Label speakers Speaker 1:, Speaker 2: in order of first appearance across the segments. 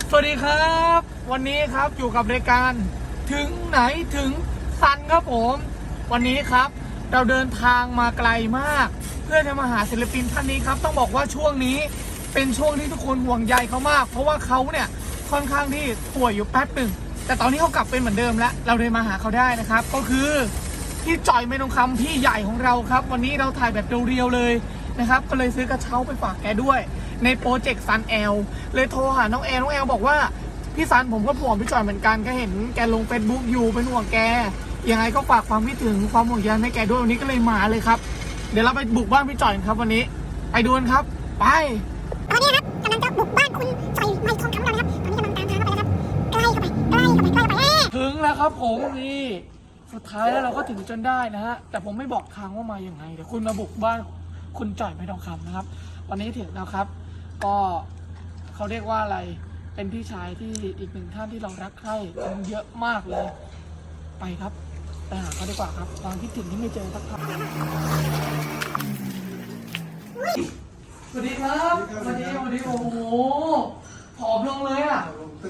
Speaker 1: สวัสดีครับวันนี้ครับอยู่กับรายการถึงไหนถึงซันครับผมวันนี้ครับเราเดินทางมาไกลมากเพื่อจะมาหาศิลปินท่านนี้ครับต้องบอกว่าช่วงนี้เป็นช่วงที่ทุกคนห่วงใยเขามากเพราะว่าเขาเนี่ยค่อนข้างที่ป่วยอยู่แป๊บหนึ่งแต่ตอนนี้เขากลับเป็นเหมือนเดิมแล้วเราเลยมาหาเขาได้นะครับก็คือพี่จ่อยเมนทองคำพี่ใหญ่ของเราครับวันนี้เราถ่ายแบบเรียวๆเลยนะครับก็เลยซื้อกระเช้าไปฝากแกด้วยในโปรเจกต์ซันแอลเลยโทรหาน้องแอลบอกว่าพี่ซันผมก็ห่วงพี่จ่อยเหมือนกันก็เห็นแกลง Facebook อยู่เป็นห่วงแกยังไงก็ฝากความคิดถึงความห่วงใยให้แกด้วยวันนี้ก็เลยมาเลยครับเดี๋ยวเราไปบุกบ้านพี่จ่อยครับวันนี้ไปดูกันครับไป
Speaker 2: ตอนนี้ครับกำลังจะบุกบ้านคุณจ่อยไมค์ทองคำเรานะครับตอนนี้กำลังตามทางเข้าไปแล้วครับใกล้เข้าไป
Speaker 1: ถึงแล้วครับผมนี่สุดท้ายแล้วเราก็ถึงจนได้นะฮะแต่ผมไม่บอกทางว่ามาอย่างไงเดี๋ยวคุณมาบุกบ้านคุณจ่อยไมค์ทองคำนะครับวันนี้ถึงแล้วครับก็เขาเรียกว่าอะไรเป็นพี่ชายที่อีกหนึ่งท่านที่เรารักใคร่กันเยอะมากเลยไปครับไปหาเขาดีกว่าครับความคิดถึงที่ไม่เจอสักครั้งสวัสดีครับสวัสดีโอ้โหผอมลงเลยอ่ะ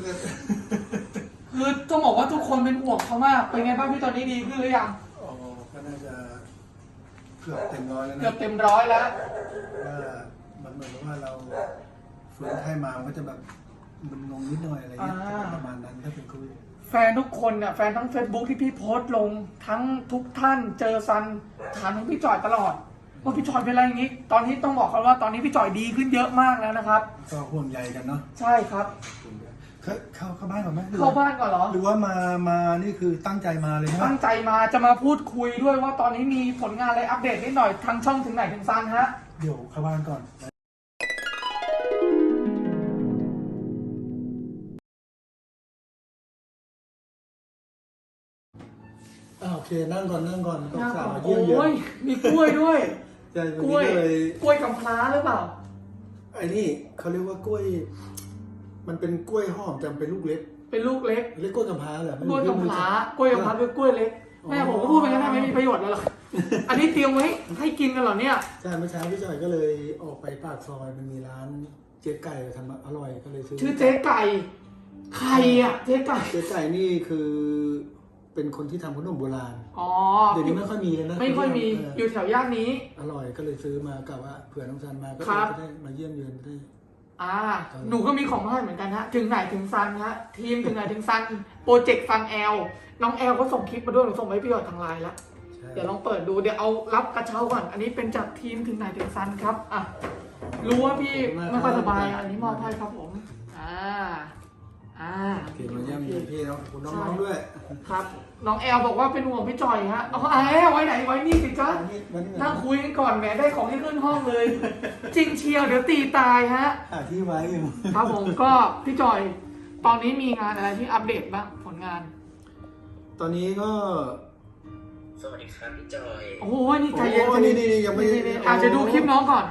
Speaker 1: คือต้องบอกว่าทุกคนเป็นห่วงเขามากเป็นไงบ้างพี่ตอนนี้ดีขึ้นหรือยัง
Speaker 3: อ๋อก็น่าจะเกือบเต็มร้อยแล้วนะ
Speaker 1: เกือบเต็มร้อยแล้ว
Speaker 3: ว่ามันเหมือนกับว่าเราฟื้นไข้มามันก็จะแบบมันงงนิดหน่อยอะไรเงี้ยประมาณนั้นถ้าเป็นโควิด
Speaker 1: แฟนทุกคนเนี่ยแฟนทั้ง Facebook ที่พี่โพสต์ลงทั้งทุกท่านเจอซันถามถึงพี่จ่อยตลอดว่าพี่จ่อยเป็นอะไรอย่างนี้ตอนนี้ต้องบอกเขาว่าตอนนี้พี่จ่อยดีขึ้นเยอะมากแล้วนะครับ
Speaker 3: ก็ห่วงใยกันเนาะ
Speaker 1: ใช่ครับ
Speaker 3: เข้าบ้านก่อนไหม
Speaker 1: เข้าบ้านก่อนเหรอ
Speaker 3: หรือว่ามานี่คือตั้งใจมาเลยใช่ไหม
Speaker 1: ตั้งใจมาจะมาพูดคุยด้วยว่าตอนนี้มีผลงานอะไรอัปเดตนิดหน่อยทางช่องถึงไหนถึงซันฮะ
Speaker 3: เดี๋ยวเข้าบ้านก่อนโอเคนั่งก่อนต้องสาวเยี่ยมเยอะ
Speaker 1: มีกล้วยด้วย
Speaker 3: กล้
Speaker 1: วยกำพร้าหรือเปล่า
Speaker 3: ไอ้นี่เขาเรียกว่ากล้วยมันเป็นกล้วยหอมแต่เป็นลูกเล็ก
Speaker 1: เป็นลูกเล็ก
Speaker 3: เรียกกล้วยกำพร้าเหร
Speaker 1: อกล้วยกำพร้ากล้วยกำพร้าคือกล้วยเล็กแม่ผมก็พูดไปงั้นไม่มีประโยชน์เลยหรอกอันนี้เตรียมไว้ให้กินกันเหรอเนี่ย
Speaker 3: ใช่เมื่อเช้าพี่จอยก็เลยออกไปปากซอยมันมีร้านเจ๊ไก่ทำอร่อยก็เลยซื้อ
Speaker 1: ชื่อเจ๊ไก่ใครอ่ะเจ๊ไก่
Speaker 3: นี่คือเป็นคนที่ทำขนมโบราณเดี๋ยวนี้ไม่ค่อยมีเลยนะ
Speaker 1: ไม่ค่อยมีอยู่แถวย่านนี้
Speaker 3: อร่อยก็เลยซื้อมากะว่าเผื่อน้องซันมาก็จะได้มาเยี่ยมเยือนได้
Speaker 1: หนูก็มีของมาให้เหมือนกันฮะถึงไหนถึงซันฮะทีมถึงไหนถึงซันโปรเจกต์ซันแอลน้องแอลก็ส่งคลิปมาด้วยหนูส่งไปให้พี่หยอดทางไลน์แล้วเดี๋ยวลองเปิดดูเดี๋ยวเอารับกระเช้าก่อนอันนี้เป็นจากทีมถึงไหนถึงซันครับรู้ว่าพี่ไม่ค่อยสบายอันนี้มอบให้ครับผม
Speaker 3: เกี่ยวกับเยี่ยมเยือนพี่เนาะคุณน้องๆด้วย
Speaker 1: ครับน้องแอลบอกว่าเป็นห่วงพี่จอยฮะเอาไว้ไหนไว้นี่สิจ๊ะนั่งคุยกันก่อนแหมได้ของที่ขึ้นห้องเลยจริงเชียวเดี๋ยวตีตายฮะ
Speaker 3: ที่ไว้อยู่
Speaker 1: ครับผมก็พี่จอยตอนนี้มีงานอะไรที่อัปเดตบ้างผลงาน
Speaker 3: ตอนนี้ก็
Speaker 4: สวัสดีครับพี่จอย
Speaker 1: โอ้ยนี่ใจเย็น
Speaker 3: นี่ยังไม่
Speaker 1: อาจจะดูคลิปน้องก่อน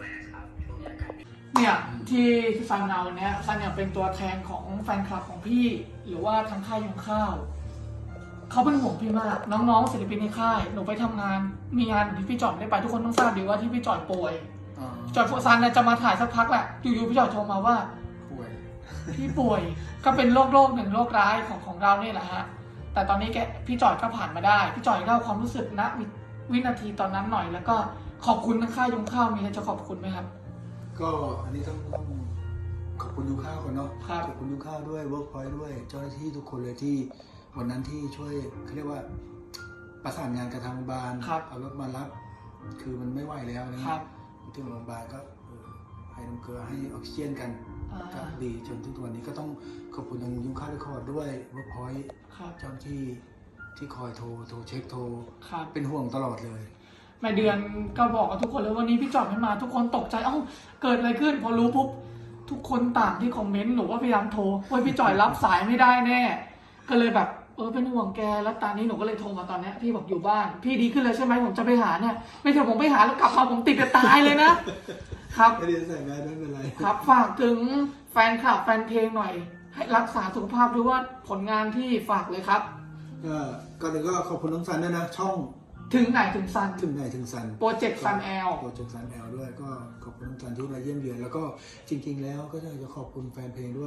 Speaker 1: เนี่ยที่ซันเอาเนี่ยซันเนี่ยเป็นตัวแทนของแฟนคลับของพี่หรือว่าทางค่ายยงข้าวเขาเป็นห่วงพี่มากน้องๆศิลปินในค่ายหนูไปทำงานมีงานที่พี่จอยได้ไปทุกคนต้องทราบดีว่าที่พี่จอยป่วยจอยซันเนี่ยจะมาถ่ายสักพักแหละอยู่ๆพี่จอยโทรมาว่าพี่ป่วยก็เป็นโรคหนึ่งโรคร้ายของเราเนี่ยแหละฮะแต่ตอนนี้พี่จอยก็ผ่านมาได้พี่จอยเล่าความรู้สึกณวินาทีตอนนั้นหน่อยแล้วก็ขอบคุณทางค่ายยงข้าวมีอะไรจะขอบคุณไหมครับ
Speaker 3: ก็อันนี้ต้องขอบคุณยูข้าวก่อนเนาะขอบคุณยูข้าวด้วยเวิร์กพอยต์ด้วยเจ้าหน้าที่ทุกคนเลยที่วันนั้นที่ช่วยเขาเรียกว่าประสานงานกับทางโรงพยาบาลเอารถมารับคือมันไม่ไหวแล้วนะครับถึงโรงพยาบาลก็ให้น้ำเกลือให้ออกซิเจนกันก็ดีจนถึงวันนี้ก็ต้องขอบคุณทางยูข้าวเรคคอร์ดด้วยเวิร์กพอยต์เจ้าหน้าที่คอยโทรเช็คโทรเป็นห่วงตลอดเลย
Speaker 1: แม่เดือนก็บอกกับทุกคนเลยวันนี้พี่จอยไม่มาทุกคนตกใจเกิดอะไรขึ้นพอรู้ปุ๊บทุกคนต่างที่คอมเมนต์หนูว่าพยายามโทรว่าพี่จอยรับสายไม่ได้แน่ก็เลยแบบเป็นห่วงแกแล้วตอนนี้หนูก็เลยโทรมาตอนนี้พี่บอกอยู่บ้านพี่ดีขึ้นแล้วใช่ไหมผมจะไปหาเนี่ยไม่ใช่ผมไปหาแล้วกลับมาผมติดจะตายเลยนะครับ
Speaker 3: ไม่ได้ใส่แมสไม่เป็นไร
Speaker 1: ครับฝากถึงแฟนคลับแฟนเพลงหน่อยให้รักษาสุขภาพด้วยว่าผลงานที่ฝากเลยครับ
Speaker 3: ก่อนหนึ่งก็ขอบคุณน้องซันด้วยนะช่อง
Speaker 1: ถึงไหนถึงซัน
Speaker 3: โปรเจกต์ซันแอลด้วยก็ขอบคุณน้องซันที่มาเยี่ยมเยือนแล้วก็จริงๆแล้วก็จะขอบคุณแฟนเพลงด้วย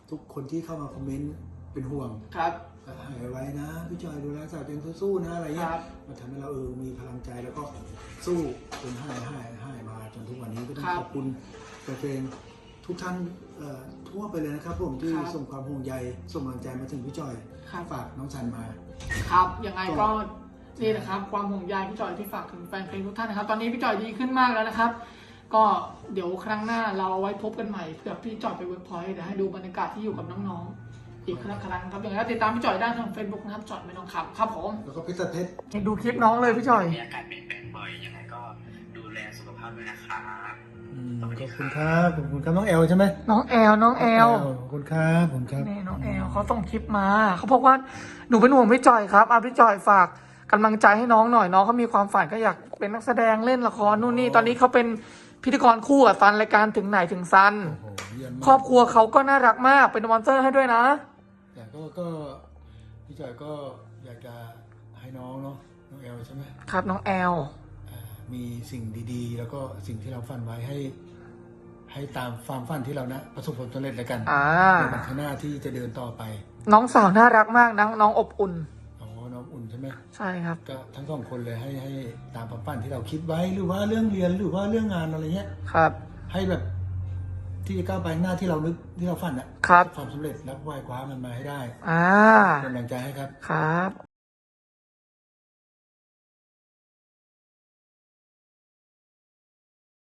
Speaker 3: ทุกคนที่เข้ามาคอมเมนต์เป็นห่วง
Speaker 1: ครับ
Speaker 3: หายไว้นะพี่จอยดูแลสาวเต็มสู้ๆนะอะไรเงี้
Speaker 1: ค
Speaker 3: ย
Speaker 1: รับ
Speaker 3: มันทำให้เรามีพลังใจแล้วก็สู้จนหายมาจนทุกวันนี้ก็ต้อง
Speaker 1: ครับ
Speaker 3: ขอบคุณแฟนๆทุกท่านทั่วไปเลยนะครับผมที่
Speaker 1: ครับ
Speaker 3: ส่งความห่วงใยส่งกำลังใจมาถึงพี่จอย
Speaker 1: ครับ
Speaker 3: ฝากน้องซันมา
Speaker 1: ครับยังไงก็นี่นะครับความห่วงใยพี่จอยที่ฝากถึงแฟนเพลงทุกท่านนะครับ ตอนนี้พี่จอยดีขึ้นมากแล้วนะครับ ก็เดี๋ยวครั้งหน้าเราเอาไว้พบกันใหม่เผื่อพี่จอยไปเวิร์กพอยต์เดี๋ยวให้ดูบรรยากาศที่อยู่กับน้องๆอีกครั้งครับอย่างไรก็ติดตามพี่จอยได้ทาง Facebook นะครับจอยไม่ต้องขับครับผม
Speaker 3: แล้วก็เพชรเพชร
Speaker 1: ดูคลิปน้องเลยพี่จอย
Speaker 4: มีอาการเปลี่ยนแปลงบ่อยยังไงก็ดูแลสุขภาพด้วยนะครับ
Speaker 3: ขอบคุณครับขอบคุณครับน้องแอลใช่ไหม
Speaker 1: น้องแอล
Speaker 3: ขอบคุณครับผมครับ
Speaker 1: นี่น้องแอลเขาส่งคลิปมาเขาบอกว่าหนูเป็นห่วงพี่จอยครับพี่จอยฝากกำลังใจให้น้องหน่อยน้องเขามีความฝันก็อยากเป็นนักแสดงเล่นละครนู่นนี่ตอนนี้เขาเป็นพิธีกรคู่กับซันรายการถึงไหนถึงซัน
Speaker 3: โอ้โหเยี่ยมมาก
Speaker 1: ครอบครัวเขาก็น่ารักมากเป็นสปอนเซอร์ให้ด้วยนะ
Speaker 3: แต่ก็พี่จอยก็อยากจะให้น้องเนาะน้องแอลใช่ไหม
Speaker 1: ครับน้องแอล
Speaker 3: มีสิ่งดีๆ แล้วก็สิ่งที่เราฝันไว้ให้ตามความฝันที่เรานะประสบผลสำเร็จแล้วกันในวันข้างหน้าที่จะเดินต่อไป
Speaker 1: น้องสาวน่ารักมากน้องอบอุ่น
Speaker 3: อ๋อน้องอุ่นใช่ไหม
Speaker 1: ใช่ครับ
Speaker 3: ก็ทั้งสองคนเลยให้ตามความฝันที่เราคิดไว้หรือว่าเรื่องเรียนหรือว่าเรื่องงานอะไรเงี้ย
Speaker 1: ครับ
Speaker 3: ให้แบบที่จะก้าวไปข้างหน้าที่เรานึกที่เราฝันอะ
Speaker 1: ครับ
Speaker 3: ความสำเร็จและไหว้คว้ามันมาให้ได้
Speaker 1: อ่า
Speaker 3: เป็นกำลังใจให้ครับ
Speaker 1: ครับ